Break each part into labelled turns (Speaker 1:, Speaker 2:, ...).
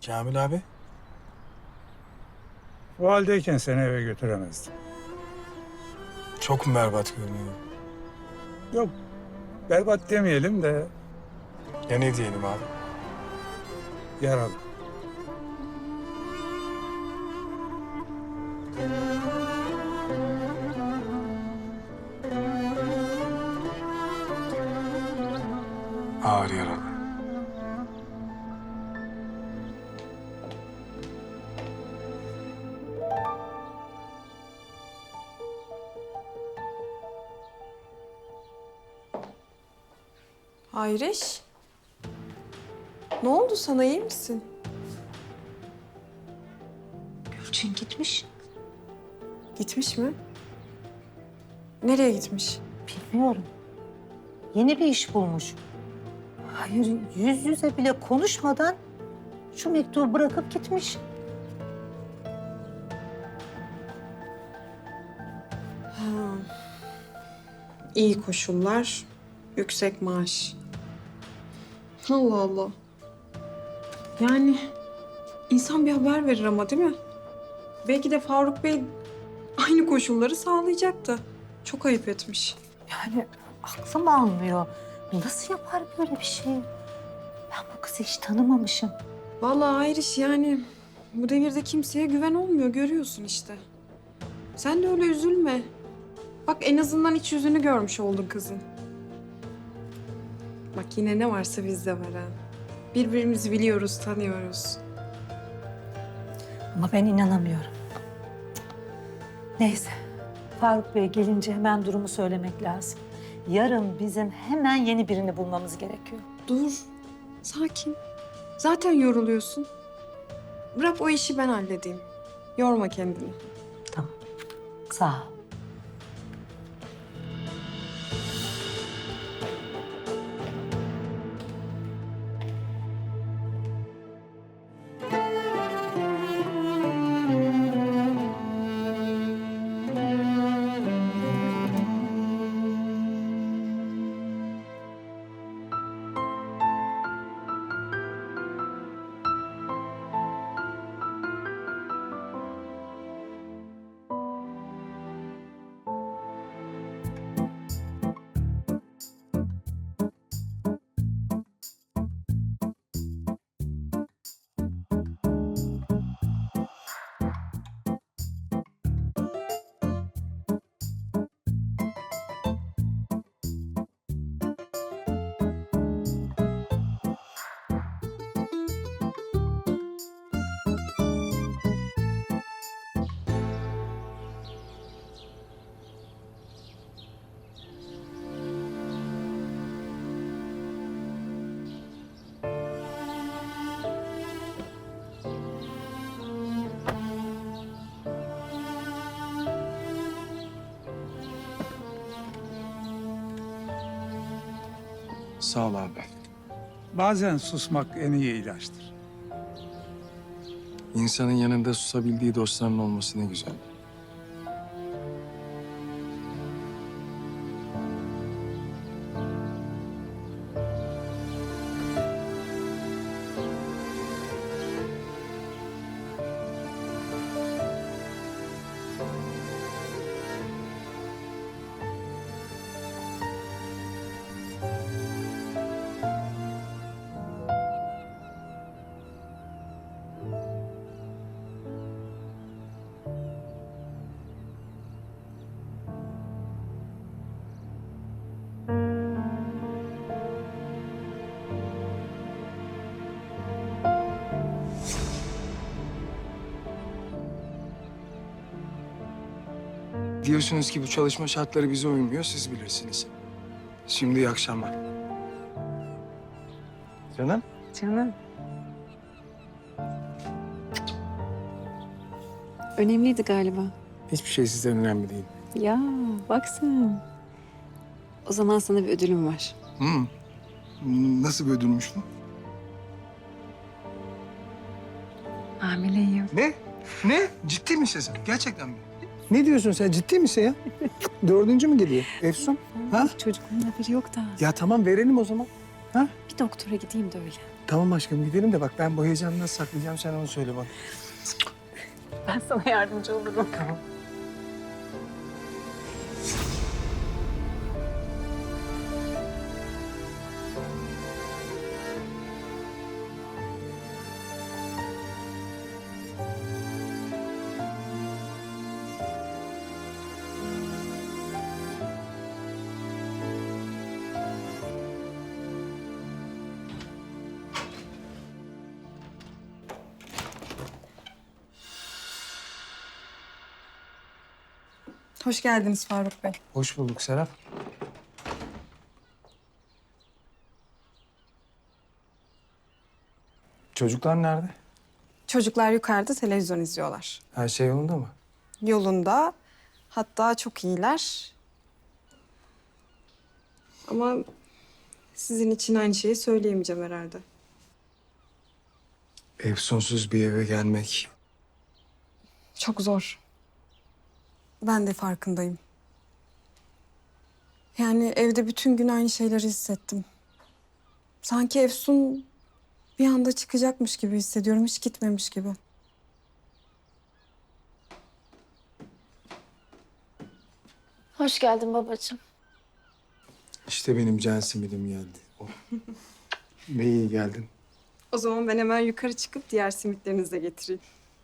Speaker 1: Kamil abi.
Speaker 2: O haldeyken seni eve götüremezdim.
Speaker 1: Çok mu berbat görünüyor?
Speaker 2: Yok, berbat demeyelim de
Speaker 1: Ya ne diyelim abi?
Speaker 2: yaralı.
Speaker 1: Ağır yaralı.
Speaker 3: Ayriş. Ne oldu sana, iyi misin?
Speaker 4: Gülçin gitmiş.
Speaker 3: Gitmiş mi? Nereye gitmiş?
Speaker 4: Bilmiyorum. Yeni bir iş bulmuş. Hayır, yüz yüze bile konuşmadan şu mektubu bırakıp gitmiş.
Speaker 3: İyi koşullar, yüksek maaş. Allah Allah. Yani insan bir haber verir ama, değil mi? Belki de Faruk Bey aynı koşulları sağlayacaktı. Çok ayıp etmiş.
Speaker 4: Yani aklım almıyor. Nasıl yapar böyle bir şey? Ben bu kızı hiç tanımamışım.
Speaker 3: Vallahi Ayriş, yani bu devirde kimseye güven olmuyor, görüyorsun işte. Sen de öyle üzülme. Bak, en azından iç yüzünü görmüş oldun kızın. Bak, yine ne varsa bizde var ha. Birbirimizi biliyoruz, tanıyoruz.
Speaker 4: Ama ben inanamıyorum. Neyse. Faruk Bey gelince hemen durumu söylemek lazım. Yarın bizim hemen yeni birini bulmamız gerekiyor.
Speaker 3: Dur, sakin. Zaten yoruluyorsun. Bırak o işi ben halledeyim. Yorma kendini.
Speaker 4: Tamam. Sağ ol.
Speaker 1: Sağ ol abi.
Speaker 2: Bazen susmak en iyi ilaçtır.
Speaker 1: İnsanın yanında susabildiği dostlarının olması ne güzel. Diyorsunuz ki bu çalışma şartları bize uymuyor, siz bilirsiniz. Şimdi iyi akşamlar. Canım?
Speaker 5: Canım. Önemliydi galiba.
Speaker 1: Hiçbir şey sizden önemli değil.
Speaker 5: Ya bak sen. O zaman sana bir ödülüm var.
Speaker 1: Nasıl bir ödülmüş bu?
Speaker 5: Hamileyim.
Speaker 1: Ne? Ne? Ciddi misin sen? Gerçekten mi? Ne diyorsun sen? Ciddi misin ya? 4. mü geliyor? Efsun? Ha?
Speaker 5: Çocuğumun haberi yok da.
Speaker 1: Ya tamam verelim o zaman. Ha?
Speaker 5: Bir doktora gideyim de öyle.
Speaker 1: Tamam aşkım gidelim de bak ben bu heyecanı nasıl saklayacağım sen onu söyle bana.
Speaker 5: Ben sana yardımcı olurum.
Speaker 1: Tamam.
Speaker 3: Hoş geldiniz Faruk Bey.
Speaker 1: Hoş bulduk Serap. Çocuklar nerede?
Speaker 3: Çocuklar yukarıda televizyon izliyorlar.
Speaker 1: Her şey yolunda mı?
Speaker 3: Yolunda, hatta çok iyiler. Ama sizin için aynı şeyi söyleyemeyeceğim herhalde.
Speaker 1: Efsunsuz bir eve gelmek.
Speaker 3: Çok zor. Ben de farkındayım. Yani evde bütün gün aynı şeyleri hissettim. Sanki Efsun bir anda çıkacakmış gibi hissediyorum, hiç gitmemiş gibi.
Speaker 6: Hoş geldin babacığım.
Speaker 1: İşte benim can simidim geldi. Oh. Ne iyi geldin.
Speaker 3: O zaman ben hemen yukarı çıkıp diğer simitlerinizi de getireyim.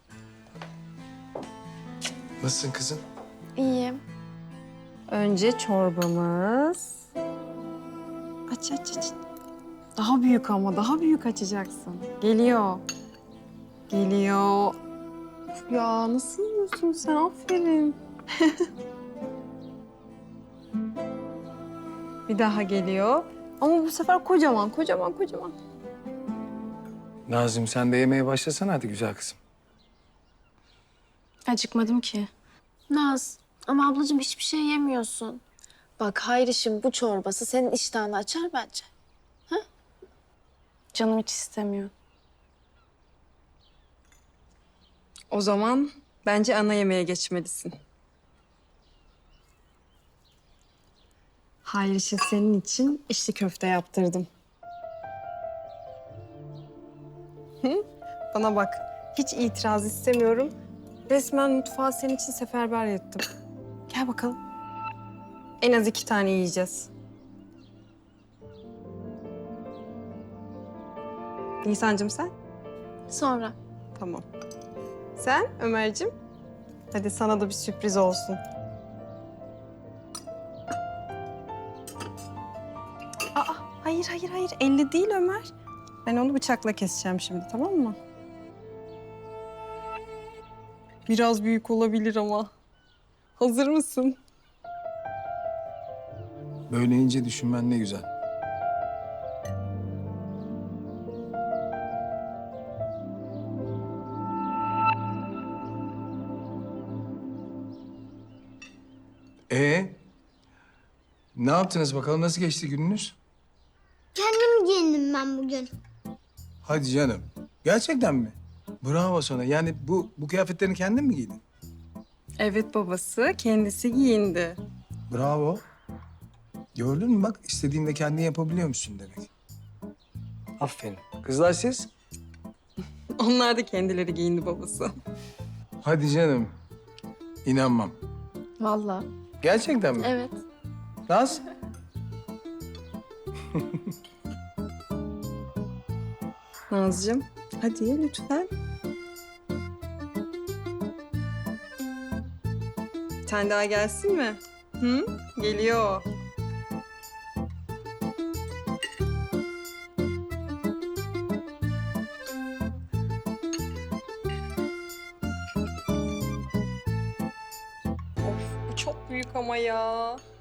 Speaker 1: Nasılsın kızım?
Speaker 6: İyiyim.
Speaker 3: Önce çorbamız. Aç aç aç. Daha büyük ama daha büyük açacaksın. Geliyor. Geliyor. Ya nasıl yiyorsun sen? Aferin. Bir daha geliyor. Ama bu sefer kocaman, kocaman, kocaman.
Speaker 1: Nazım sen de yemeye başlasana hadi güzel kızım.
Speaker 6: Acıkmadım ki. Naz, ama ablacığım hiçbir şey yemiyorsun. Bak Hayriş'in bu çorbası senin iştahını açar bence. Ha? Canım hiç istemiyor.
Speaker 3: O zaman bence ana yemeğe geçmelisin. Hayır işte senin için içli köfte yaptırdım. Hı? Bana bak, hiç itiraz istemiyorum. Resmen mutfağı senin için seferber ettim. Gel bakalım. En az 2 tane yiyeceğiz. Nisan'cığım sen?
Speaker 6: Sonra.
Speaker 3: Tamam. Sen Ömer'cim? Hadi sana da bir sürpriz olsun. Aa, hayır, hayır, hayır. Elle değil Ömer. Ben onu bıçakla keseceğim şimdi, tamam mı? Biraz büyük olabilir ama. Hazır mısın?
Speaker 1: Böyle ince düşünmen ne güzel. Ne yaptınız bakalım? Nasıl geçti gününüz?
Speaker 7: Kendim giyindim ben bugün.
Speaker 1: Hadi canım. Gerçekten mi? Bravo sana. Yani bu kıyafetlerini kendin mi giydin?
Speaker 3: Evet babası, kendisi giyindi.
Speaker 1: Bravo. Gördün mü bak istediğinde kendin yapabiliyormuşsun demek. Aferin. Kızlar siz?
Speaker 3: Onlar da kendileri giyindi babası.
Speaker 1: Hadi canım. İnanmam.
Speaker 6: Vallahi.
Speaker 1: Gerçekten mi?
Speaker 6: Evet.
Speaker 1: Naz?
Speaker 3: Nazcığım, hadi lütfen. Bir tane daha gelsin mi? Hı? Geliyor. Of, bu çok büyük ama ya.